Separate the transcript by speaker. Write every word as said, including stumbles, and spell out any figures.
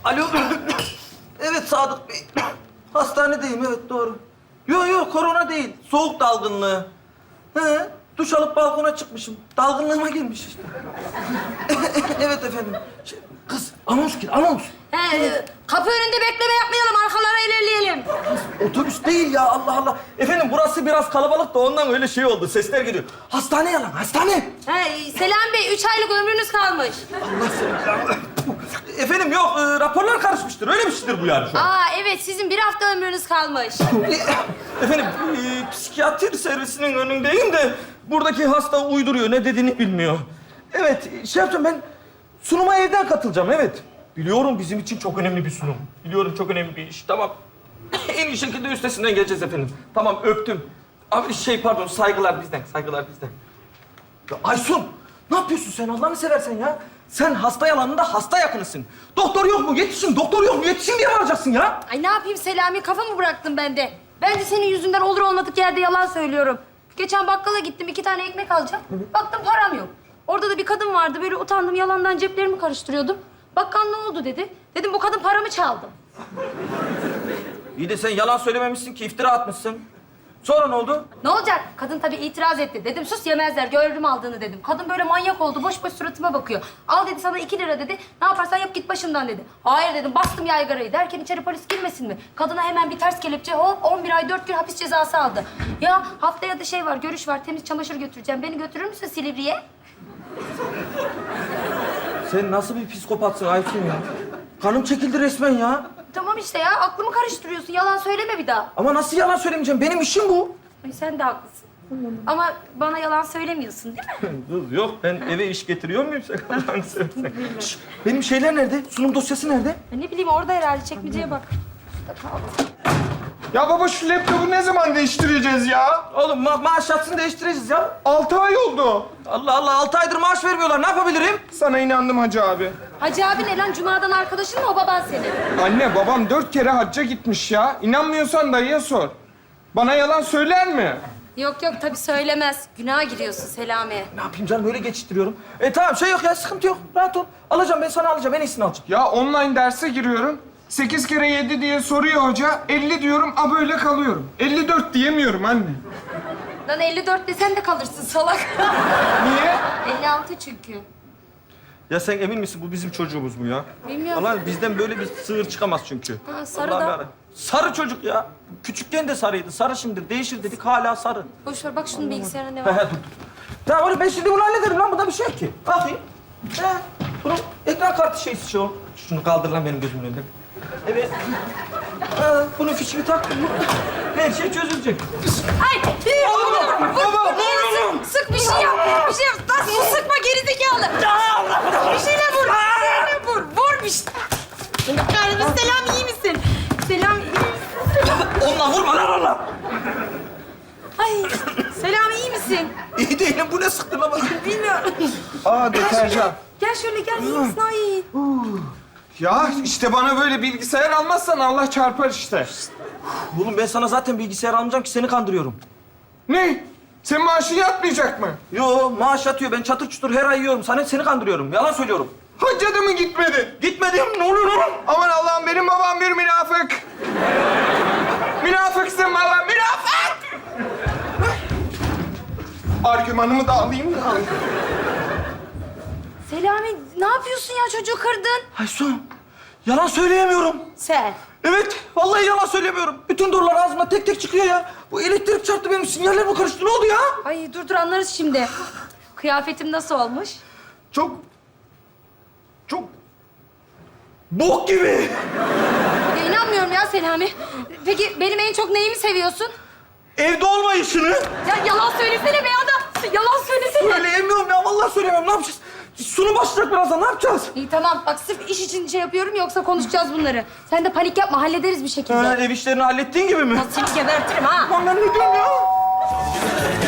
Speaker 1: Alo. Evet Sadık Bey. Hastanedeyim, evet doğru. Yok yok, korona değil. Soğuk dalgınlığı. He, duş alıp balkona çıkmışım. Dalgınlığıma girmiş işte. Evet efendim. Şey, kız, anons gir, anons.
Speaker 2: He, e, kapı önünde bekleme yapmayalım, arkalara ilerleyelim.
Speaker 1: Otobüs değil ya, Allah Allah. Efendim burası biraz kalabalık da ondan öyle şey oldu. Sesler geliyor. Hastane yalan, hastane.
Speaker 2: He, Selam Bey, üç aylık ömrünüz kalmış.
Speaker 1: Allah seni. Efendim yok, e, raporlar karışmıştır. Öyle bir şeydir bu yani şu an.
Speaker 2: Aa evet, sizin bir hafta ömrünüz kalmış.
Speaker 1: Efendim, e, psikiyatri servisinin önündeyim de buradaki hasta uyduruyor, ne dediğini bilmiyor. Evet, şey yapacağım ben, sunuma evden katılacağım, evet. Biliyorum bizim için çok önemli bir sunum. Biliyorum çok önemli bir iş, tamam. En iyi şekilde üstesinden geleceğiz efendim. Tamam, öptüm. Abi şey pardon, saygılar bizden, saygılar bizden. Ya Aysun, ne yapıyorsun sen Allah'ını seversen ya? Sen hasta yalanında hasta yakınısın. Doktor yok mu? Yetişin, doktor yok mu? Yetişin diye bağıracaksın ya.
Speaker 2: Ay ne yapayım Selami, kafamı bıraktım ben de. Ben de senin yüzünden olur olmadık yerde yalan söylüyorum. Geçen bakkala gittim, iki tane ekmek alacağım. Baktım param yok. Orada da bir kadın vardı, böyle utandım, yalandan ceplerimi karıştırıyordum. Bakkal ne oldu dedi. Dedim bu kadın paramı çaldı.
Speaker 1: İyi de sen yalan söylememişsin ki, iftira atmışsın. Sonra ne oldu?
Speaker 2: Ne olacak? Kadın tabii itiraz etti. Dedim sus yemezler, gördüm aldığını dedim. Kadın böyle manyak oldu, boş boş suratıma bakıyor. Al dedi sana iki lira dedi. Ne yaparsan yap git başımdan dedi. Hayır dedim, bastım yaygarayı. Derken içeri polis girmesin mi? Kadına hemen bir ters kelepçe, hop on bir ay dört gün hapis cezası aldı. Ya haftaya da şey var, görüş var, temiz çamaşır götüreceğim. Beni götürür müsün Silivri'ye?
Speaker 1: Sen nasıl bir psikopatsın Aysun ya? Kanım çekildi resmen ya.
Speaker 2: Tamam işte ya, aklımı karıştırıyorsun. Yalan söyleme bir daha.
Speaker 1: Ama nasıl yalan söylemeyeceğim? Benim işim bu.
Speaker 2: Ay, sen de haklısın. Ama bana yalan söylemiyorsun değil mi?
Speaker 1: Kız yok, ben eve iş getiriyor muyum sen Allah'ını seversen? Şş, benim şeyler nerede? Sunum dosyası nerede?
Speaker 2: Ya ne bileyim, orada herhalde, çekmeceye bak. Şurada kaldı.
Speaker 3: Ya baba şu laptopu ne zaman değiştireceğiz ya?
Speaker 1: Oğlum ma maaş yatsın değiştireceğiz ya.
Speaker 3: Altı ay oldu.
Speaker 1: Allah Allah, altı aydır maaş vermiyorlar. Ne yapabilirim?
Speaker 3: Sana inandım Hacı abi.
Speaker 2: Hacı abi ne lan? Cuma'dan arkadaşın mı o baban senin?
Speaker 3: Anne babam dört kere hacca gitmiş ya. İnanmıyorsan dayıya sor. Bana yalan söyler mi?
Speaker 2: Yok yok tabii söylemez. Günaha giriyorsun Selami.
Speaker 1: Ne yapayım canım, böyle geçiştiriyorum. E tamam, şey yok ya, sıkıntı yok. Rahat ol. Alacağım, ben sana alacağım. En iyisini alacağım.
Speaker 3: Ya online derse giriyorum. Sekiz kere yedi diye soruyor hoca. Elli diyorum, a böyle kalıyorum. Elli dört diyemiyorum anne.
Speaker 2: Lan elli dört desen de kalırsın salak.
Speaker 3: Niye?
Speaker 2: elli altı çünkü.
Speaker 1: Ya sen emin misin bu bizim çocuğumuz mu ya?
Speaker 2: Bilmiyorum.
Speaker 1: Allah bizden böyle bir sığır çıkamaz çünkü.
Speaker 2: Ha, sarı
Speaker 1: Allah'ım
Speaker 2: da.
Speaker 1: yarabbim. Sarı çocuk ya. Küçükken de sarıydı. Sarı şimdi değişir dedik, hala sarı.
Speaker 2: Boş ver bak şunun bilgisayarına ne
Speaker 1: He he
Speaker 2: var.
Speaker 1: dur dur. Tamam oğlum, ben şimdi bunu hallederim lan. Bunda bir şey yok ki. Bakayım. He. Bunun ekran kartı şeysi şu. Şunu kaldır lan benim gözümün önünden. Evet. Ha, bunun fişini tak. Her şey çözülecek.
Speaker 2: Ay! Vur! Vur!
Speaker 1: baba,
Speaker 2: Vur!
Speaker 1: vur,
Speaker 2: Sık, sık bir şey yap! Bir şey yap! Lan su sıkma gerizekalı! Bir şeyle vur! Bir şeyle vur! Vur bir şey! Kahretsin, Selam iyi misin? Selam iyi misin?
Speaker 1: Onunla vurma lan onunla.
Speaker 2: Ay! Selam iyi misin?
Speaker 1: İyi değilim. Bu ne sıktı lan bana?
Speaker 2: Bilmiyorum.
Speaker 3: Aa deterjan.
Speaker 2: Gel şöyle gel, iyi misin? Ay!
Speaker 3: Ya işte bana böyle bilgisayar almazsan Allah çarpar işte.
Speaker 1: Oğlum ben sana zaten bilgisayar almayacağım ki, seni kandırıyorum.
Speaker 3: Ne? Senin maaşın yatmayacak mı?
Speaker 1: Yo, maaş yatıyor. Ben çatır çutur her ay yiyorum. Sana seni kandırıyorum. Yalan söylüyorum.
Speaker 3: Hacca da mı gitmedin?
Speaker 1: Gitmedim. Ne oluyor oğlum?
Speaker 3: Aman Allah'ım, benim babam bir münafık. Münafıksın baba, münafık! Argümanımı da alayım da.
Speaker 2: Selami ne yapıyorsun ya? Çocuğu kırdın.
Speaker 1: Aysun, yalan söyleyemiyorum.
Speaker 2: Sen.
Speaker 1: Evet, vallahi yalan söylemiyorum. Bütün doğrular ağzımdan tek tek çıkıyor ya. Bu elektrik çarptı, benim sinyaller mi karıştı? Ne oldu ya?
Speaker 2: Ay dur dur anlarız şimdi. Kıyafetim nasıl olmuş?
Speaker 1: Çok... Çok... Bok gibi.
Speaker 2: Ya inanmıyorum ya Selami. Peki benim en çok neyimi seviyorsun?
Speaker 1: Evde olmayışını.
Speaker 2: Ya yalan söylesene be adam. Yalan söylesene.
Speaker 1: Söyleyemiyorum ya, vallahi söyleyemiyorum. Ne yapacağız? Sunum başlayacak birazdan, ne yapacağız?
Speaker 2: İyi tamam bak sırf iş için şey yapıyorum yoksa konuşacağız bunları. Sen de panik yapma hallederiz bir şekilde.
Speaker 1: Ha, ev işlerini hallettiğin gibi mi?
Speaker 2: Seni gebertirim ha.
Speaker 1: Lan ben ne diyorum ya?